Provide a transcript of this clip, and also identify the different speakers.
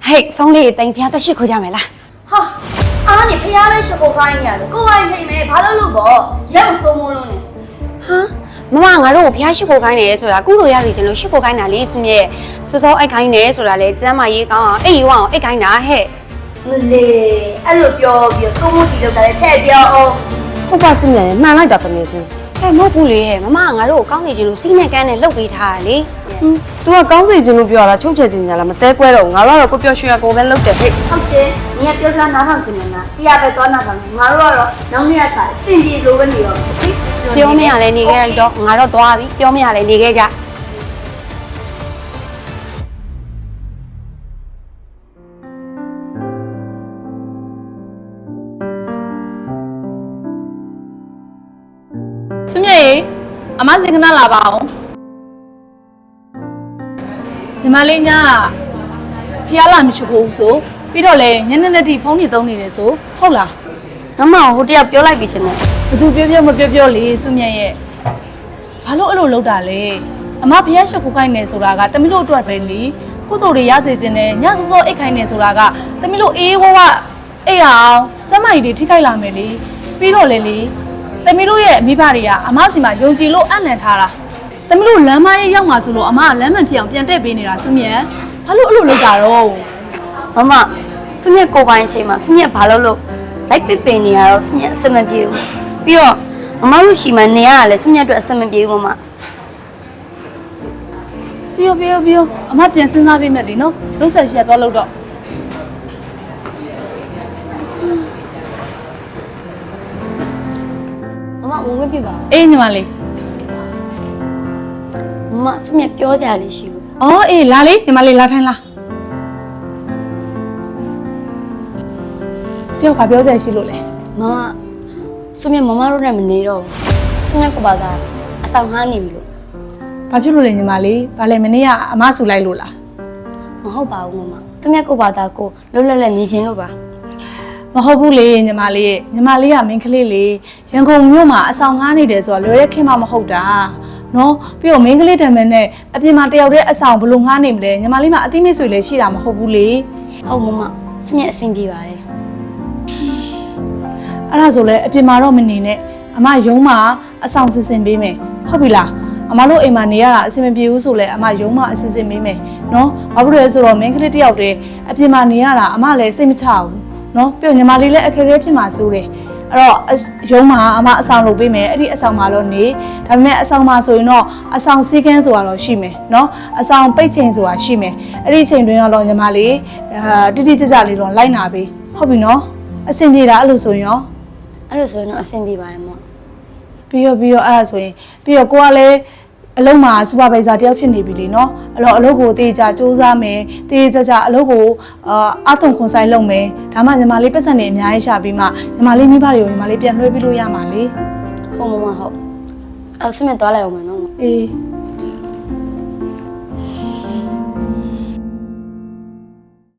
Speaker 1: 嘿，送礼等天都辛苦家没啦。
Speaker 2: 哈，你不要来学过开呢，过完节没爬到路不，要送我了呢。
Speaker 1: 哈，妈妈，我偏辛苦干呢，说啦，工作也是真了，辛苦干哪里是咩？是说爱干呢，说啦嘞，咱妈一讲，哎，往爱干哪嘿？
Speaker 2: 唔嘞，路标送我地头个菜标哦。
Speaker 3: 我把是咩，买来着个咩子？
Speaker 1: 哎，冇不哩，妈妈，我刚才就新年干呢，录给他哩。
Speaker 3: 都話講事情都表啦，衝車進啦，咪得鬼咯！我老個表兄啊，嗰邊錄嘅嘿。
Speaker 2: 好的，你也表啥拿上去呢？第二杯多拿上，我了，农业菜，经济有问题了。
Speaker 1: 表面下来你给多，我了多少笔？表面下来你给家。
Speaker 4: 孙妹，阿媽先跟他လာပါအောင်ညီမလေးညာဖျားလာမရှိဘူးဆိုပြီးတော့လေညနေနေ့ထိဖုန်းနေသုံးနေတယ်ဆိုဟုတ်လား
Speaker 1: 妈妈，我这要表来比什么？
Speaker 4: ဘသူပြောပြောမပြောပြောလေစွမြတ်ရဲ့ဘာလို့အဲ့လိုလုပ်တာလဲအမဖျားရှိခိုးခိုင်းနေဆိုတာကတမီးတို့အတွက်ပဲလေကုသိုလ်တွေရစေခြင်းနဲ့ညစောစောအိတ်ခိုင်းနေဆိုတာကတမီးတို့အေးဝဝအိတ်အောင်စမ်းမကြီးတွေထိခိုက်လာမယ်လေပြီးတော့လေတမီးတို့ရဲ့မိဘတွေကအမစီမှာယုံကြည်လို့အံ့နံထားတာတမီးတို့လမ်းမရဲ့ရောက်မှာဆိုလို့အမကလမ်းမဖြစ်အောင်ပြန်တက်ပေးနေတာစွမြတ်ဘာလို့အဲ့လိုလုပ်တာတော့
Speaker 1: 妈妈，是面过完节嘛，是面爬了路，来北北你啊，是面什么表？比如妈妈有喜欢你啊嘞，是面做什么表妈妈？
Speaker 4: ပြီးရောအမပြန်စဉ်းစားပေးမယ်လေနော်လုံးဆက်ရှိရသွားလို့တော့
Speaker 1: 妈妈，我问你吧，
Speaker 4: အေးညီမလေး
Speaker 1: 妈妈是面表家里是不？
Speaker 4: အော်အေးလာလေညီမလေးလာထိုင်လာပြောခါပြောစရာရှိလို့လေ
Speaker 1: 妈妈，是面妈妈都那么黏了，是面过把他，上海你不？
Speaker 4: ဘာဖြစ်လို့လဲညီမလေးဘာလဲမနေ့ကအမဆူလိုက်လို့လား
Speaker 1: မဟုတ်ပါဘူးမမသူမြတ်ကိုပါသားကိုလွတ်လပ်လပ်နေခြင်းလို့ပါ
Speaker 4: မဟုတ်ဘူးလေညီမလေးကမင်းကလေးလေရန်ကုန်မြို့မှာအဆောင်ငားနေတယ်ဆိုတာလွယ်ရက်ခင်မှမဟုတ်တာနော်ပြီးတော့မင်းကလေးတံမန်နဲ့အပြင်မှာတယောက်တည်းအဆောင်ဘလို့ငားနေမလဲညီမလေးမှာအတိမိတ်ဆွေလည်းရှိတာမဟုတ်ဘူးလေ
Speaker 1: ဟုတ်မမသူမြတ်အဆင်ပြေပါတယ်
Speaker 4: အဲ့ဒါဆိုလဲအပြင်မှာတော့မနေနဲ့အမရုံးမှာအဆောင်စစ်စင်ပေးမယ်ဟုတ်ပြီလားအမတို့အိမ်မှာနေရတာအဆင်မပြေဘူးဆိုလဲအမရုံးမှာအစစ်စစ်ပေးမယ်နော်ဘာဖြစ်လို့လဲဆိုတော့မင်းကလေးတယောက်တည်းအပြင်မှာနေရတာအမလည်းစိတ်မချဘူးနော်ပြီးတော့ညီမလေးလည်းအခက်အခဲဖြစ်မှာစိုးတယ်အဲ့တော့ရုံးမှာအမအဆောင်လုပ်ပေးမယ်အဲ့ဒီအဆောင်မှာတော့နေဒါပေမဲ့အဆောင်မှာဆိုရင်တော့အဆောင်စီးကန်းဆိုတာတော့ရှိမယ်နော်အဆောင်ပိတ်ချိန်ဆိုတာရှိမယ်အဲ့ဒီချိန်တွင်းကတော့ညီမလေးတိတိကျကျလေးတော့လိုက်နာပေးဟုတ်ပြီနော်အဆင်ပြေတာအဲ့လိုဆိုရင်ရော
Speaker 1: အဲ့လိုဆိုရင်တော့အဆင်ပြေပါတယ်မမ
Speaker 4: ပြီးတော့အဲ့ဒါဆိုရင်ပြီးတော့ကိုကလည်းအလုံးမှာစူပါဗိုက်ဇာတယောက်ဖြစ်နေပြီလေနော်အဲ့တော့အလုပ်ကိုတေးကြစူးစမ်းမယ်တေးကြအလုပ်ကိုအာထုံခွန်ဆိုင်လုပ်မယ်ဒါမှညီမလေးပတ်စံနေအများကြီးရှာပြီးမှညီမလေးမိဘတွေကိုညီမလေးပြန်လွှဲပြီးလို့ရမှာလေ
Speaker 1: ဟုတ်မမဟုတ်အဲ့သူမြတ်သွားလိုက်အောင်မယ်နော်
Speaker 4: အေး